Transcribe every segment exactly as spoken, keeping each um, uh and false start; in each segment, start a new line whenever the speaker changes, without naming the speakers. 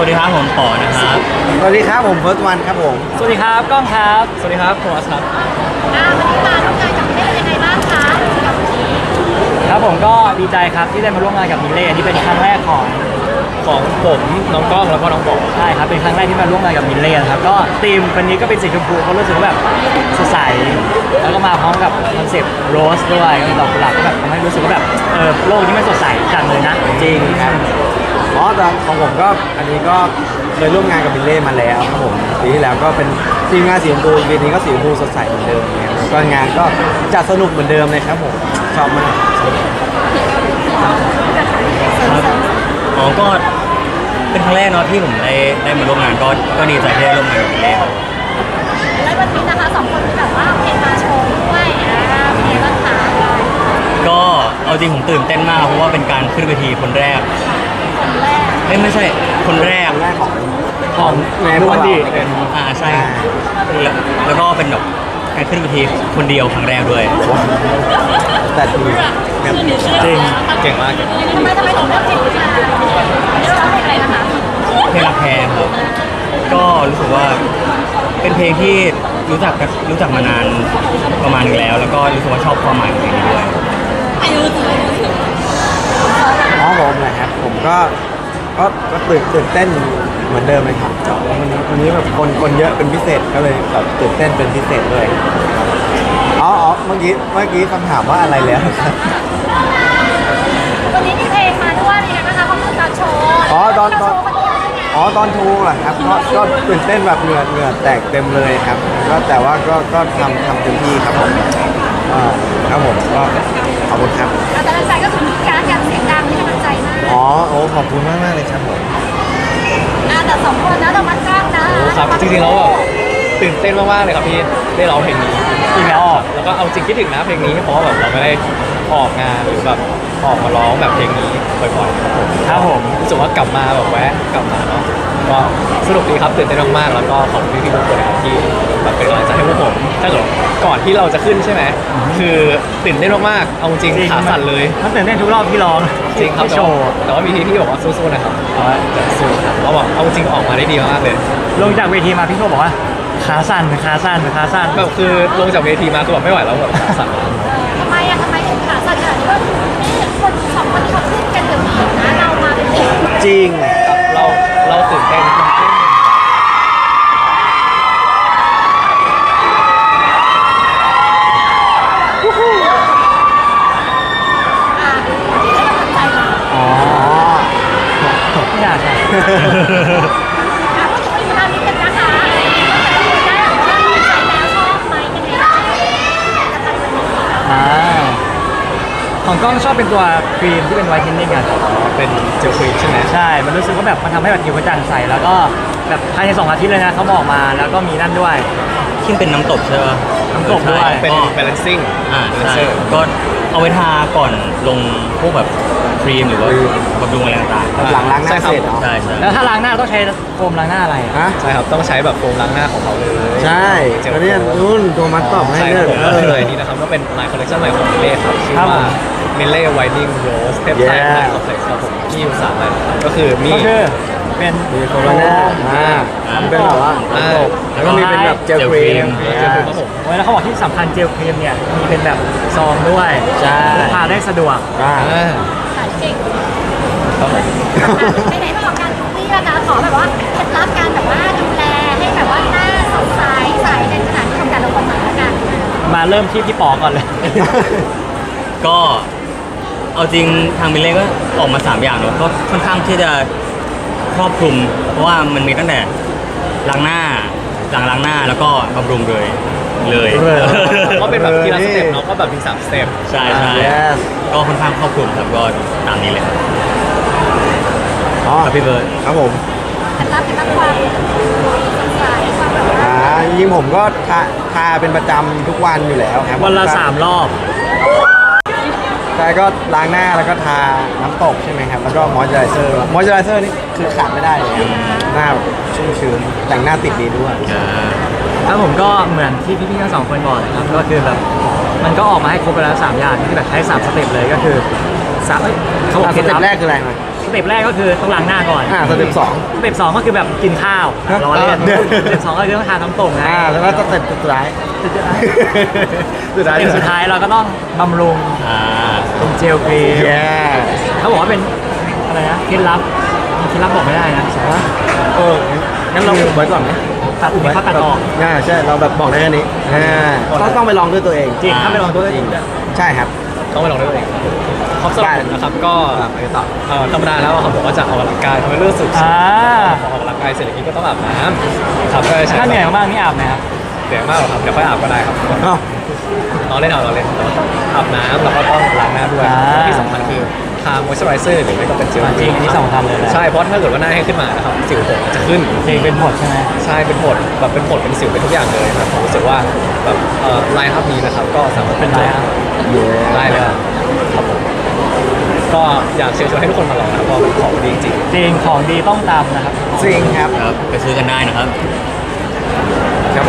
วัสดีครับผมปอนะครับ
สวัสดีครับผมเฟิร์สวันครับผม
สวัสดีครับก้องครับสวัสดีครับโทมัสครับ
อ่าวันนี้มาร่วมงานกับมิเล่ยังไงบ้างคะกับวันนี้
ครับผมก็ดีใจครับที่ได้มาร่วมงานกับมิเล่นี่เป็นครั้งแรกของ
ของผมน้องก้องแล้วก็น้องปอ
ใช่ครับเป็นครั้งแรกที่มาร่วมงานกับมิเล่นะครับก็ธีมวันนี้ก็เป็นสีชมพูเขารู้สึกว่าแบบสดใสแล้วก็มาพร้อมกับคอนเซ็ปต์โรสด้วยก็มีดอกกุหลาบก็แบบทำให้รู้สึกว่าแบบเออโลกนี้มันสดใสจังเลยนะ
จริงครับอ๋อแต่ของผมก็อันนี้ก็เคยร่วมงานกับบิลเล่มาแล้วครับผมปีที่แล้วก็เป็นทีมงานสีชมพูปีนี้ก็สีชมพูสดใสเหมือนเดิมเนี่ยแล้วก็งานก็จัดสนุกเหมือนเดิมเลยครับผมชอบมาก
อ๋อก็เป็นครั้งแรกเนาะที่ผมได้ได้มาร่วมงานก็ก็ดีใจที่ได้ร่วมงานกับพี่เล่
แล้ววันนี้นะคะสองคนที่แบบว่าเพลงมาโชว์ด้วยอ่าเพลงบ้างคะ
ก็เอาจริงผมตื่นเต้นมากเพราะว่าเป็นการขึ้นเวทีคนแรก
คนแรก
เอ้ยไม่ใช่คนแรก
แรกของ
ของ
แม่วันดี
อ่าใช่แล้วแล้วก็เป็นแบบการขึ้นเวทีคนเดียวครั้งแรกด้วย
แต่ดี
จริง
เก่งมาก
ทำไมทำไมถึงเลือกเพลงนี้มาเลือกร้องเพลงอะไรนะคะ
เพลงรักแพงครับก็รู้สึกว่าเป็นเพลงที่รู้จักกันรู้จักมานานประมาณนึงแล้วแล้วก็รู้สึกว่าชอบความหมายของเพลงนี้ด้วย
อ๋อผมนะครับผมก็ก็ก็ตื่นตื่นเต้นเหมือนเดิมเลยครับวันนี้วันนี้แบบคนคนเยอะเป็นพิเศษก็เลยแบบตื่นเต้นเป็นพิเศษด้วยอ๋ออ๋อเมื่อกี้เมื่อกี้คำถามว่าอะไรแล้วครับ
วันนี้มีเพลงมาด้วยเป็นไงบ้างคะความรู้สึกตอนโชว์
อ๋อตอนตอนอ๋อตอนทูเหรอครับก็ก็ตื่นเต้นแบบเหงื่อเหงื่อแตกเต็มเลยครับก็แต่ว่าก็ก็ทำทำเต็มที่ครับผมอ่าครับผมก็ขอบคุณครับ
แต่ละใจก็คือมีการการเสียงดังที่กำลังใจมาก
อ๋อโอ้ขอบคุณมากมากเลยครับผม
อ่าแต่สองคนนะเรามาจ้างนะครับ
จริงๆแล้วแบบตื่นเต้นมากๆเลยครับที่ได้ร้องเพลงนี้อีกแล้วแล้วก็เอาจริงคิดถึงนะเพลงนี้เพราะว่าแบบเราไม่ได้ออกงานหรือแบบออกมาร้องแบบเพลงนี้บ่อยๆครับผมรู้สึกว่ากลับมาแบบแวะกลับมาเนาะก็สนุกดีครับตื่นเต้นมากๆแล้วก็ขอบคุณพี่ๆทุกคนนะครับที่แบบเป็นกำลังใจให้พวกผมถ้าเกิดก่อนที่เราจะขึ้นใช่ไหมคือตื่นเต้นมากๆเอาจริงขาสั่นเลยมันตื่นเต้นทุกรอบที่ร้อง
จริงครับ
โชว์
แต่ว่ามีพี่ที่บอกว่าสู้ๆนะครับจะสู้ครับเราบอกเอาจริงออกมาได้ดีมากเลย
ลงจากเวทีมาพี่โชบอกว่าขาสั่นขาสั่นขาสั่น
แบบคือลงจากเวทีมาคือแบบไม่ไหวแล้วแบบขาสั่น
ทำไมอะทำไมถึงขาสั่นขนาดนี้ว่านี่คนสองคนที่เขาขึ้นกันเดี๋ยวนี้นะเรามาเป็นเด็ก
จริงเราเราตื่นเต้น
ไม่อยากค่ะ
พูดถึงวันนี้นิดนึงนะคะแต่ละคนได้แบบว่าใช้แล้วชอบไหมยังไงบ้าง
อ่าของกล้องชอบเป็นตัวครีมที่เป็นไวท์เทนนิ่งอ่ะ
เป็นเจลครีมใช่ไหม
ใช่มันรู้สึกว่าแบบมันทำให้แบบผิวกระจ่างใสแล้วก็แบบภายในสองอาทิตย์เลยนะเขาบอกมาแล้วก็มีนั่นด้วย
ที่เป็นน้ำตกใช่ไหม
น้ำตกด้วย
เป็น balancing
อ่าใช่ก็เอาไว้ทาก่อนลงพวกแบบครีมหรือว่าบำรุงอะไรต่าง
ๆหลังล้างหน้าเสร็จเนาะ
ใช่ใช่
แล้วถ้าล้างหน้าต้องใช้โฟมล้างหน้าอะไร
ฮะใช่ครับต้องใช้แบบโฟมล้างหน้าของเขาเลยใช่ตอนนี้นุ่นตัวมัดตอบให้เลย
เลยนี่นะครับก็เป็นลายคอลเลคชั่นใหม่ของมิเล่ครับชื่อว่ามิเล่ไวท์นิ่งโรสเทปไทป์ไลน์คอมเพล็กซ์ครับผมที่อยู่สามอันก็คือมีเป็น
มีโคโรนาอ่าเป็นแบบว่าแล้วก็มีเป็นแบบเจลครีม
เจลครีมครับผมแล้วเขาบอกที่สำคัญเจลครีมเนี่ยมีเป็นแบบซองด้วย
ใช่
ทาได้สะดวก
อ่า
ขายเก่งไปไหนมาออกการทุกที่แล้วนะขอแบบว่าเคล็ดลับการแบบว่าดูแลให้แบบว่าหน้าสดใสใสในสถานที่ทำการละครมาแล้วกัน
มาเริ่มที่พี่ปอก่อนเลย
ก็เอาจริงทางมิเล่ก็ออกมาสามอย่างเนอะก็ค่อนข้างที่จะครอบคลุมเพราะว่ามันมีตั้งแต่ล้างหน้าหลังล้างหน้าแล้วก็บำรุงเลยเลย
ก็เป็นแบบทีละสเต็ปเนาะก็แบบมีสามสเต็ป
ใช่ใช่ก็ค่อนข้างครอบคลุมครับก็ตามนี้เลย
อ๋อ
พี่เบิร์ด
ครับผม
เคล็ดลับเคล็ดลับความสดใสความแบบว่า
อ่าจริงผมก็ทาทาเป็นประจำทุกวันอยู่แล้วครับ
วันละสามรอบ
ใช่ก็ล้างหน้าแล้วก็ทาน้ำตกใช่ไหมครับแล้วก็มอยเจอไรเซอร์มอยเจอไรเซอร์นี่คือขาดไม่ได้เลยครับหน้าชุ่มชื้นแต่งหน้าติดดีด้วย
ครับผมก็เหมือนที่พี่ๆทั้งสองคนบอกเลยครับก็คือแบบมันก็ออกมาให้ครบไปแล้วสามอย่างที่แบบใช้สามสเต็ปเลยก็คือสาม
เขาบอกสเต็ปแรกคืออะไรมา
สเต็ปแรกก็คือต้องล้างหน้าก่อน
อ่าสเต็ปสอง
สเต็ปสองก็คือแบบกินข้าว
ฮะ
รอเล่น
เดี๋ยว
สเต็ปสองก็คือต้องทานน้ำตกไง
อ่าแล้วก็สเต็ปสุดท้าย
สุดท้าย
สุดท้าย
สเต็ปสุดท้ายเราก็ต้องบำรุง
อ่า
เป็นเจลครีม
แย่
เขาบอกว่าเป็นอะไรนะเคล็ดลับเคล็ดลับบอกไม่ได้นะ
เอองั้นเราไว้ก่อนไหม
ตัดอุปเขาตัดออก
อ่าใช่เราแบบบอกได้แค่นี้อ่าต้องต้องไปลองด้วยตัวเอง
จริงถ้าไปลองตัว
จ
จ
ริ
ริ
ง
ง
ใช่ครับ
ต้องไปลองด้วยตัวเองครับสำหรับผมนะครับก็
อ่าไปต่อ
เอ่อธรรมดาแล้วอะครับผมก็จะออกกำลังกายทำให้เลือดสูบฉีด
อ่า
พอออกกำลังกายเสร็จแล้วก็ต้องอาบน้ำครับก็จะใช้
ถ้าเหนื่อยมากๆนี่อาบไหมครับ
เหนื่อยมากหรอครับเดี๋ยวค่อยอาบก็ได้ครับ
อ้าว
นอนเล่นเอานอนเล่นอาบน้ำแล้วก็ต้องล้างหน้าด้วย
อ่า
ที่สำคัญคือทามอยส์เจอไรเซอร์หรือไม่ก็เป็นเจล
จริงอันนี้สำคัญเลยนะ
ใช่เพราะถ้าเกิดว่าหน้าให้ขึ้นมานะครับสิวผมจะขึ้น
จริงเป็นผดใช่ไหม
ใช่เป็นผดแบบเป็นผดเป็นสิวเป็นทุกอย่างเลยครับผมรู้สึกว่าแบบเอ่อไลน์อัพนี้นะครับก็สามารถ
เป็นไรอ่ะ
ได้เลยครับผมก็อยากเชิญชวนให้ทุกคนมาลองนะครับเพราะเป็นของดีจริง
จริงของดีต้องตามนะครับ
จริงครับ
ครับไปซื้อกันได้นะครับ
ครับผม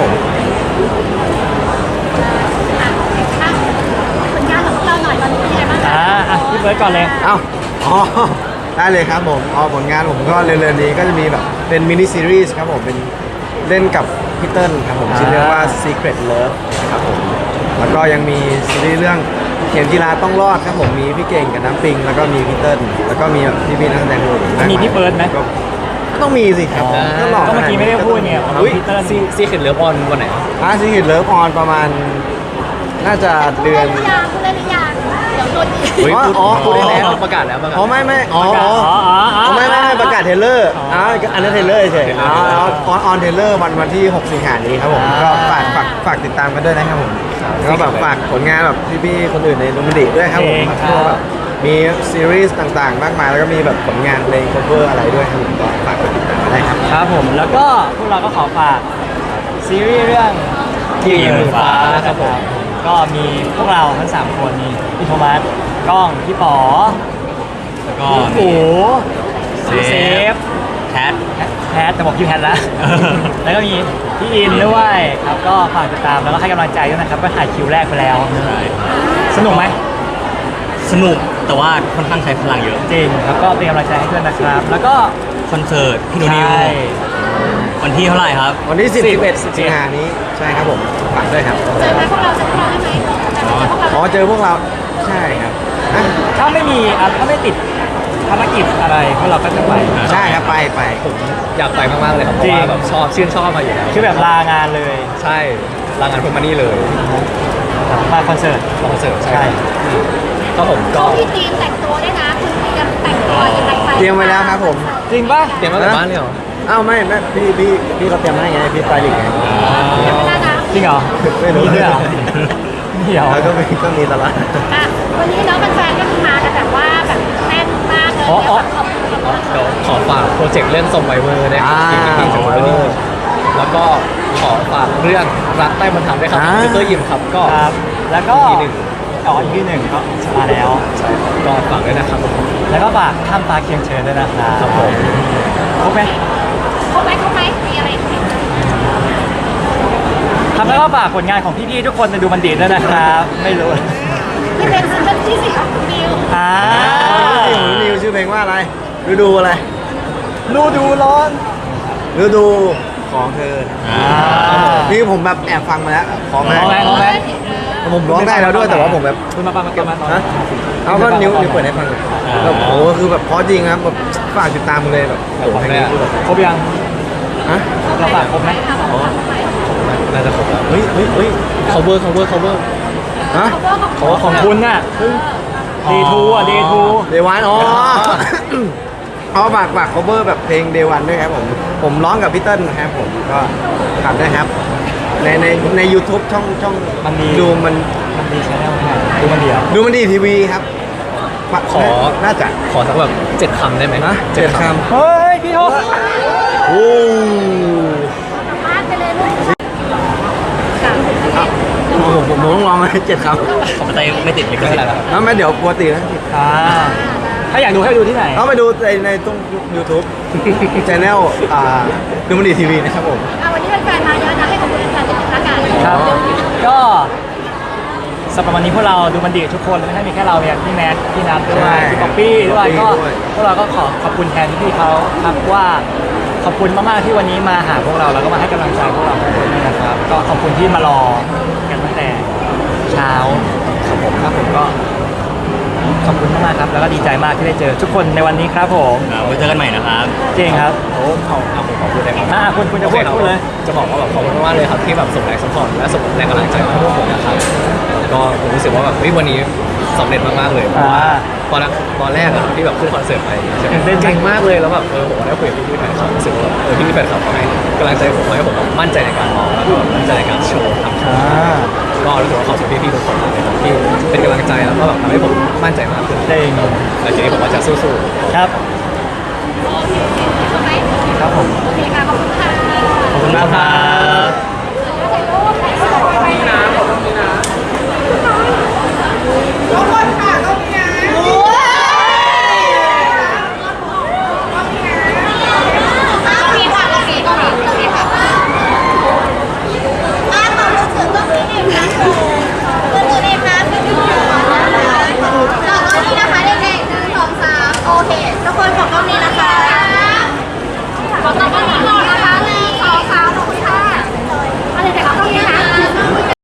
อ่ะอ่ะผลงานของพวกเราหน่อยตอนนี้เป็นยังไงบ้างคะ
อ่าอ่ะพี่เบิร์ดก่อนเลย
เอ้าอ๋อได้เลยครับผมอ๋อผลงานผมก็เร็วๆนี้ก็จะมีแบบเป็นมินิซีรีส์ครับผมเป็นเล่นกับพี่เติ้ลครับผมชื่อเรื่องว่า Secret Love ครับผมแล้วก็ยังมีซีรีส์เรื่องเข็มกีฬาต้องรอดครับผมมีพี่เก่งกับน้ำปิง แล้วก็มีพี่เติ้ลแล้วก็มีแบบพี่ๆนักแสดงคนอื่นากาย
มีพี่เบิร์ดไหม
ก็ก็ต้องมีสิครับ
อ๋อ
ก็หล่อ
ก็เมื่อกี้ไม่ได้พูดไง
เฮ้ย
พี่เติ้ล
ซีซีเข็ดเลิฟออนวันไหน
อาซีกิตเลิฟออนประมาณน่าจะเดือน
พูดได้หรือยังพูดได้หรือยังเดี๋ยวโดนอีก
เฮ้ยพูด
อ๋อ
พูดได้แล้ว
อ๋อ
ประกาศแล้วประกาศ
อ๋อไม่ไม่อ๋อ
ประกาศ
อ๋อ
อ๋ออ๋ออ๋อ
ไม่ไม่ไม่ประกาศเทรลเลอร์
อ๋อ
อ๋ออันนั้นเทรลเลอร์เฉยๆอ๋อออนออนเทรลเลอร์วันวันที่หกสิงหานี้ครับผม
อ่า
ก็ฝากฝากฝากติดตามกันด้วยนะครับผมแล้วก็แบบฝากผลงานแบบพี่ๆคนอื่นในลุมดิด้วยครับผม
เองครับ
พวกแบบมีซีรีส์ต่างๆ มากมายแล้วก็มีแบบผลงานเพลง cover อะไรด้วยครับผมก็ฝากไปติดตามกันได้ครับ
ครับผมแล้วก็พวกเราก็ขอฝากซีรีส์เรื่อง
กี่หมื่นฟ้า
ครับผมก็มีพวกเราทั้งสามคนมีพี่โทมัสกล้องพี่ป๋อ
แล้วก็
พี่
มี
อู๋
เซ
พี่เซ
ฟ
ฟ
แคท
แพทแต่บอกพี่แพทแล้ว แล้วก็มีพี่อินด้วยครับก็ฝากติดตามแล้วก็ให้กำลังใจด้วยนะครับก็ถ่ายคิวแรกไปแล้ว
ใช่
สนุกไหม
สนุกแต่ว่าค่อนข้างใช้พลังเยอะ
จริงแล้วก็เป็นกำลังใจให้ด้วยนะครับ แล้วก็
คอนเสิร์ตพี่หนูนิว
ใช่
วันที่เท่าไหร่ครับ
วันที่สิบ สิบเอ็ดสิงหานี้ใช่ครับผมฝากด้วยครับ
เจอไหมพวกเราเจอพวกเราได้ไหมเจอพวกเรา
อ๋อเจอพวกเราใช่ครับอ่ะ
ถ้าไม่มีอ่ะถ้าไม่ติดภารกิจอะไรพวกเราก็จะไป
ใช่ครับไปไป
ผมอยากไปมากๆเลยครับเพ
จริ
ราะ
ง
ว่าแบบชอบชื่นชอบมาอยู่แล้ว
คือแบบลางานเลย
ใช่ลางานพวกมานี่เลย
มาคอนเสิร์ต
คอนเสิร์ตใช่
ใช่
ก็ผมก็
พี่ทีมแต่งตัวด้วยนะคุณเตรียมแต่งตัวยังไงไป
เตรียมไว้แล้วครับผม
จริงป่ะ
เตรียมมาจากบ้านเลยเหรอ
อ้าวไม่ไม่พี่พี่พี่เขาเตรียมให้ไงพี่สไตลิสต์ไง
เตรียมไว้แล้วนะ
จริงเหรอ
ไม่รู้
มีด้วยเหรอเดี๋ยว
แล้วก็มีก็มีตลอด
อ่ะวันนี้เนาะแฟนๆก็คือมากันแบบว่าแบบแน่นมากเลย
อ๋ออ๋อ
ขอบคุณขอบคุณ
เดี๋ยวขอฝากโปรเจกต์เรื่องทรงไวเวอร์ด้วยครับ
อ่า
ที่พี่ๆจะมาด้วยแล้วก็ขอฝากเรื่องรักใต้บรรทัดด้วยครับ
อ่า
คือตัวยิมครับก็
ครับ แล้วก็
อีกหนึ่ง
อ๋ออีกที่หนึ่งก็มาแล้ว
ใช่ครับก็ฝากด้วยนะครับผม
แล้วก็ฝากข้ามฟ้าเคียงเชิญด้วยนะครับ
ครับผม
ครบไหม
ครบไหมครบไหมมีอะไรอีกไหม
ครับแล้วก็ฝากผลงานของพี่ๆทุกคนในดูมันดีด้วยนะครับ ไม่รู้
ที่เป็นซิงเกิลที่สี่ของคุณนิว
อ่า
เพลงของนิวชื่อเพลงว่าอะไรฤดูอะไร
ดูดูร้อน
ฤดูของเธอ
อ่า
นี่ผมแบบแอบฟังมาแล้วขอมา
ร้องไหมร้องไหม
ผมร้องได้แล้วด้วยแต่ว่าผมแบบ
คุณมาปังมาเก็บมาตอน
ฮะเอาก็นิ้วนิ้วเปิดให้ฟังเลยแบบโอ้โหคือแบบเพราะจริงครับแบบฝากติดตามเลยแบบโอ้โหเพลงนี้คือแบบ
ครบยัง
ฮะ
เราฝากครบไหม
น่าจะครบแล้ว
เฮ้ยเฮ้ยเฮ้ย
cover cover cover
ฮะ
ขอของคุณน่ะเดทูอ่ะเดทู
เดวันอ๋อเอาฝากฝาก cover แบบเพลงเดวันด้วยครับผมผมร้องกับพี่เติ้ลนะครับผมก็ฝากด้วยครับในในใน YouTube ช่องช่อง
มันมี
ดูมัน
มันดีชแนลเนี่ยดูมันเดียว
ดูมันดีทีวีครับ
ขอ
น่าจะ
ขอสักแบบเจ็ดคำได้ไหม
นะเจ็ดค
เฮ้ยพี่โท
ำโอ้
พาดไปเลยลูกค่ะ
โหผมผมต้องลองไหมเจ็ดคำ
ของไตไม่ติดลิข
ไม่
สิ
เป็น
ท
ไร
ธิ์
แล้วครับ
แล้วไม่เดี๋ยวปกตินะ
อ่าถ้าอยากดูให้ดูที่ไหน
เอาไปดูในในตรง YouTube Channel อ่าดูมันดีทีวีนะครับผม
อ่ะวันนี้แฟนๆมาเยอะนะให้ขอบคุณแฟนๆนิดนึงละกัน
ครับก็สำหรับวันนี้พวกเราดูมันดีกับทุกคนไม่ใช่มีแค่เราเนี่ยพี่แมทพี่นัทด้ว
ใช่
ยพี่ป๊อปปี้ด้วย
พี่
ก็
ด้วย
พวกเราก็ขอขอบคุณแทนพี่ๆเขาครับว่าขอบคุณมากๆที่วันนี้มาหาพวกเราแล้วก็มาให้กำลังใจพวกเราทุกคนด้วยนะครับ ก็ขอบคุณที่มารอกันตั้งแต่เช้าครับผมครับผมก็ขอบคุณมากๆครับ แล้วก็ดีใจมากที่ได้เจอทุกคนในวันนี้ครับผม
ครับไว้เจอกันใหม่นะครับ
จริงครับ
โอ้เอาเอาผมขอพูดได้ไหม
อ่าคุณคุณจะพูด
โอ
พูดเลย
จะบอกว่าแบบขอบคุณมากเลยครับที่แบบส่งแรงสปอร์ตและส่งแรงกำลังใจให้พวกผมนะครับก็ผมรู้สึกว่าแบบเฮ้ยวันนี้สำเร็จมากๆเลยเพราะว่า
อ่า
ตอนแรกตอนแรกอะครับที่แบบขึ้นคอนเสิร์ตไปใช่ไหม
ตื่นเต้น
เก่งมากเลยแล้วแบบเออผมก็ได้คุยกับพี่ๆแฟนคลับรู้สึกว่าแบบเออพี่ๆแฟนคลับเขาให้กำลังใจผมให้ผมแบบมั่นใจในการร้องแล้วก็แบบมั่นใจในการโชว์ทำโช
อ่า
ว์ก็รู้สึกว่าขอบคุณพี่ๆทุกคนมากเลยครับที่เป็นกำลังใจแล้วก็แบบทำให้ผมมั่นใจมากขึ้น
จริง
แล้วทีนี้ผมก็จะสู้ๆ
ครับ
โอเคใช่ไหม
ครับผม
โอเคค่ะขอบคุณค่ะ
ขอบคุณมากครับ